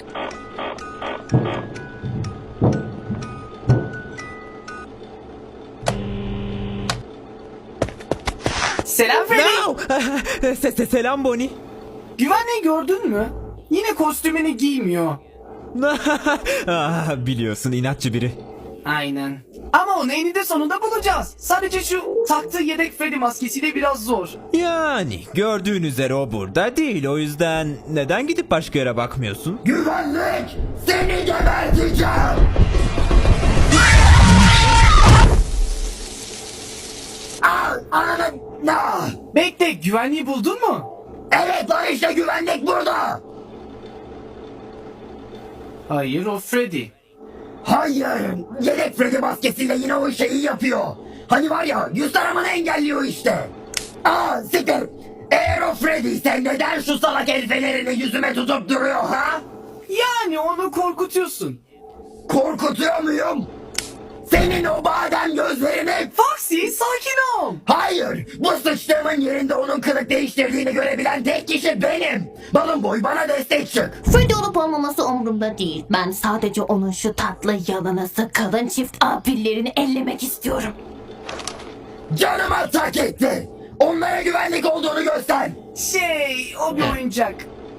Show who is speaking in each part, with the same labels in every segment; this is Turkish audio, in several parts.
Speaker 1: Selam Freddy.
Speaker 2: Selam Bonnie.
Speaker 1: Güvenliği gördün mü? Yine kostümünü giymiyor.
Speaker 2: Biliyorsun, inatçı biri.
Speaker 1: Aynen. Ama onu eninde sonunda bulacağız. Sadece şu taktığı yedek Freddy maskesiyle biraz zor.
Speaker 2: Yani gördüğün üzere o burada değil, o yüzden neden gidip başka yere bakmıyorsun?
Speaker 3: Güvenlik! Seni geberteceğim! Ananı...
Speaker 1: Bekle, güvenliği buldun mu?
Speaker 3: Evet lan, işte güvenlik burada!
Speaker 1: Hayır, o Freddy.
Speaker 3: Hayır! Yedek Freddy maskesiyle yine o şeyi yapıyor. Hani var ya, yüz taramanı engelliyor işte. Siktir! Eğer o Freddy ise neden şu salak el fenerini yüzüme tutup duruyor ha?
Speaker 1: Yani onu korkutuyorsun.
Speaker 3: Korkutuyor muyum? Senin o badem gözlerini...
Speaker 1: Foxy, sakin ol.
Speaker 3: Hayır! Bu sıçtığımın yerinde onun kılık değiştirdiğini görebilen tek kişi benim! Balon boy, bana destek çık!
Speaker 4: Freddy olup olmaması umurumda değil. Ben sadece onun şu tatlı yalanası kalın çift apillerini ellemek istiyorum.
Speaker 3: Canıma tak etti! Onlara güvenlik olduğunu göster!
Speaker 1: O bir oyuncak.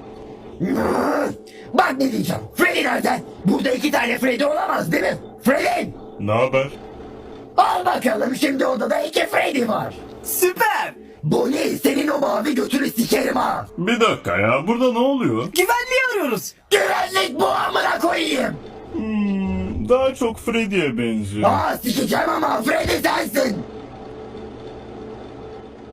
Speaker 3: Bak ne diyeceğim. Freddy nerede? Burada 2 tane Freddy olamaz değil mi? Freddy!
Speaker 5: Ne haber?
Speaker 3: Al bakalım, şimdi odada 2 Freddy var.
Speaker 1: Süper.
Speaker 3: Bonnie, senin o mavi götünü sikerim ha.
Speaker 5: Bir dakika ya, burada ne oluyor?
Speaker 1: Güvenliği arıyoruz.
Speaker 3: Güvenlik bu, amına koyayım.
Speaker 5: Daha çok Freddy'ye benziyor.
Speaker 3: Sikeceğim ama Freddy sensin.